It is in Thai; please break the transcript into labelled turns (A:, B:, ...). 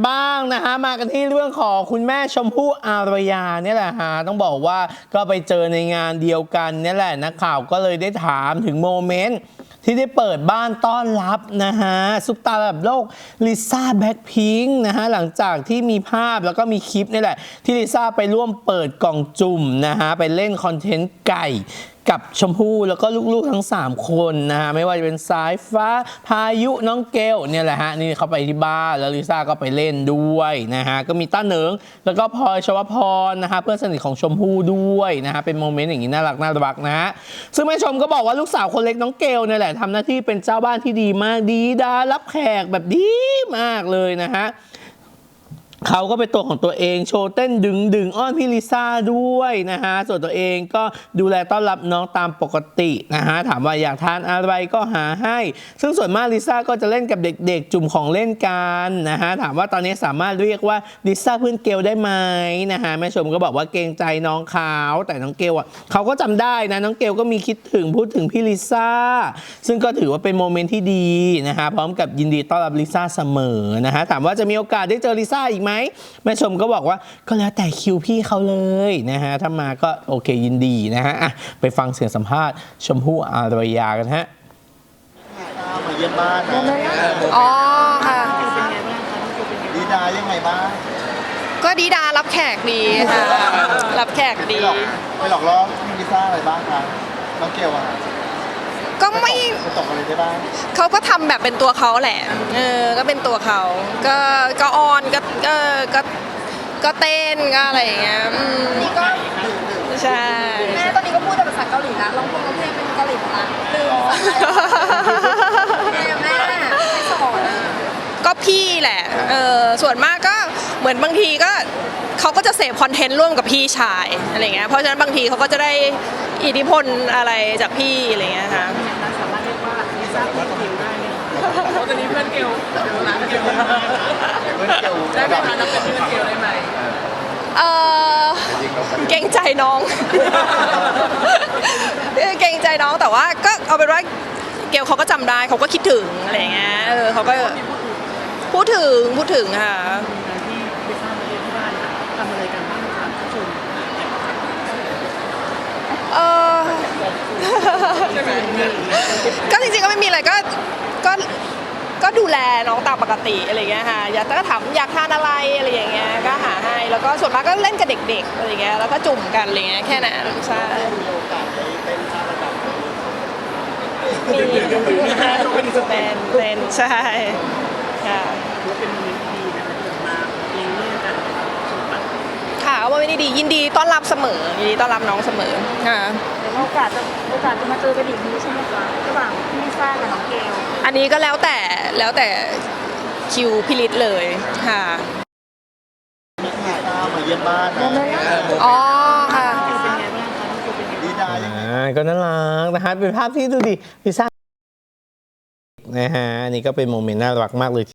A: บ้างนะฮะมากันที่เรื่องของคุณแม่ชมพู่อารยาเนี่ยแหละฮะต้องบอกว่าก็ไปเจอในงานเดียวกันเนี่ยแหละนักข่าวก็เลยได้ถามถึงโมเมนต์ที่ได้เปิดบ้านต้อนรับนะฮะซุปตาระดับโลกลิซ่าแบ็คพิงค์นะฮะหลังจากที่มีภาพแล้วก็มีคลิปนี่แหละที่ลิซ่าไปร่วมเปิดกล่องจุ่มนะฮะไปเล่นคอนเทนต์ไก่กับชมพู่แล้วก็ลูกๆทั้ง3คนนะฮะไม่ว่าจะเป็นสายฟ้าพายุน้องเกลเนี่ยแหละฮะนี่เขาไปที่บ้านแล้วลิซ่าก็ไปเล่นด้วยนะฮะก็มีต้าเหนิงแล้วก็พลอยชวพรนะฮะเพื่อนสนิทของชมพู่ด้วยนะฮะเป็นโมเมนต์อย่างนี้น่ารักนะฮะซึ่งแม่ชมก็บอกว่าลูกสาวคนเล็กน้องเกลเนี่ยแหละทำหน้าที่เป็นเจ้าบ้านที่ดีมากดีดารับแขกแบบดีมากเลยนะฮะเขาก็เป็นตัวของตัวเองโชว์เต้นดึงอ้อนพี่ลิซ่าด้วยนะฮะส่วนตัวเองก็ดูแลต้อนรับน้องตามปกตินะฮะถามว่าอยากทานอะไรก็หาให้ซึ่งส่วนมากลิซ่าก็จะเล่นกับเด็กๆจุ่มของเล่นกันนะฮะถามว่าตอนนี้สามารถเรียกว่าลิซ่าเพื่อนเกลได้ไหมนะฮะแม่ชมก็บอกว่าเกรงใจน้องเขาแต่น้องเกลอ่ะเขาก็จำได้นะน้องเกลก็มีคิดถึงพูดถึงพี่ลิซ่าซึ่งก็ถือว่าเป็นโมเมนต์ที่ดีนะฮะพร้อมกับยินดีต้อนรับลิซ่าเสมอนะฮะถามว่าจะมีโอกาสได้เจอลิซ่าอีกไหมแม่ชมก็บอกว่าก็แล้วแต่คิวพี่เขาเลยนะฮะถ้ามาก็โอเคยินดีนะฮะไปฟังเสียงสัมภาษณ์ชมพู่อารยากันฮะ
B: มาเยี่ยมบ้านนะ
C: อ๋อค่ะ
B: ดีดายังไงบ้าง
C: ก็ดีดารับแขกดีค่ะรับแขกดี
B: ไปหลอกล่อลิซ่าอะไรบ้างคะน้องเกลอะ
C: ก็ไม่
B: ตกอะไรได้บ้าง
C: เขาก็ทำแบบเป็นตัวเขาแหละก็เป็นตัวเขาก็ออนก็เต้นก็อะไรอย่างเงี้ยนี่ก็ใช่
D: แม่ตอนนี้ก็พูดแต่ภาษาเกาหลีนะร้องเพลงเป็นเกาหลีนะลืมภาษาไทยแม่ไม่สอน
C: ก็พี่แหละส่วนมากก็เหมือนบางทีก็เขาก็จะเสพคอนเทนต์ร่วมกับพี่ชายอะไรเงี้ยเพราะฉะนั้นบางทีเขาก็จะได้อิทธิพลอะไรจากพี่อะไรเงี้ยค่ะ
D: สามารถเรียกว่าลิซ่าเพื่อนเกลได้ไหมตอนนี้เพื่อนเกลร้านเกลได้ไหมคะนับเป็นเพื่อนเกลได้ไหม
C: เกรงใจน้องเกรงใจน้องแต่ว่าก็เอาเป็นว่าเกลเขาก็จำได้เขาก็คิดถึงอะไรเงี้ยเขาก็พูดถึงค่ะก็จริงๆก็ไม่มีอะไรก็ดูแลน้องตามปกติอะไรเงี้ยค่ะก็ถามอยากทานอะไรอะไรอย่างเงี้ยก็หาให้แล้วก็ส่วนมากก็เล่นกับเด็กๆอะไรเงี้ยแล้วก็จุ่มกันอะไรเงี้ยแค่นั้นใช่
B: มีโอกาสได้เต้นท่าระดับ
C: มีเป็นใช่ค่ะ
D: เป็นโมเมนต์ดีนะคะที่มาเลี้ยงลูกกัน
C: ค่ะว่าไม่ได้ดียินดีต้อนรับเสมอยินดีต้อนรับน้องเสมอค่ะ
D: โอกาสจะมาเจอกันอีกนี้ใช่ไหมคะระหว่างพี่ลิซ่ากับน้องเกล
C: อันนี้ก็แล้วแต่คิวพิลิตเลยค่ะ
B: มาเยี่ยมบ้านนะ
C: อ๋อค่ะ
B: ดีดา
A: ก็น่ารักนะฮะเป็นภาพที่ดูดิลิซ่านะฮะนี่ก็เป็นโมเมนต์น่ารักมากเลย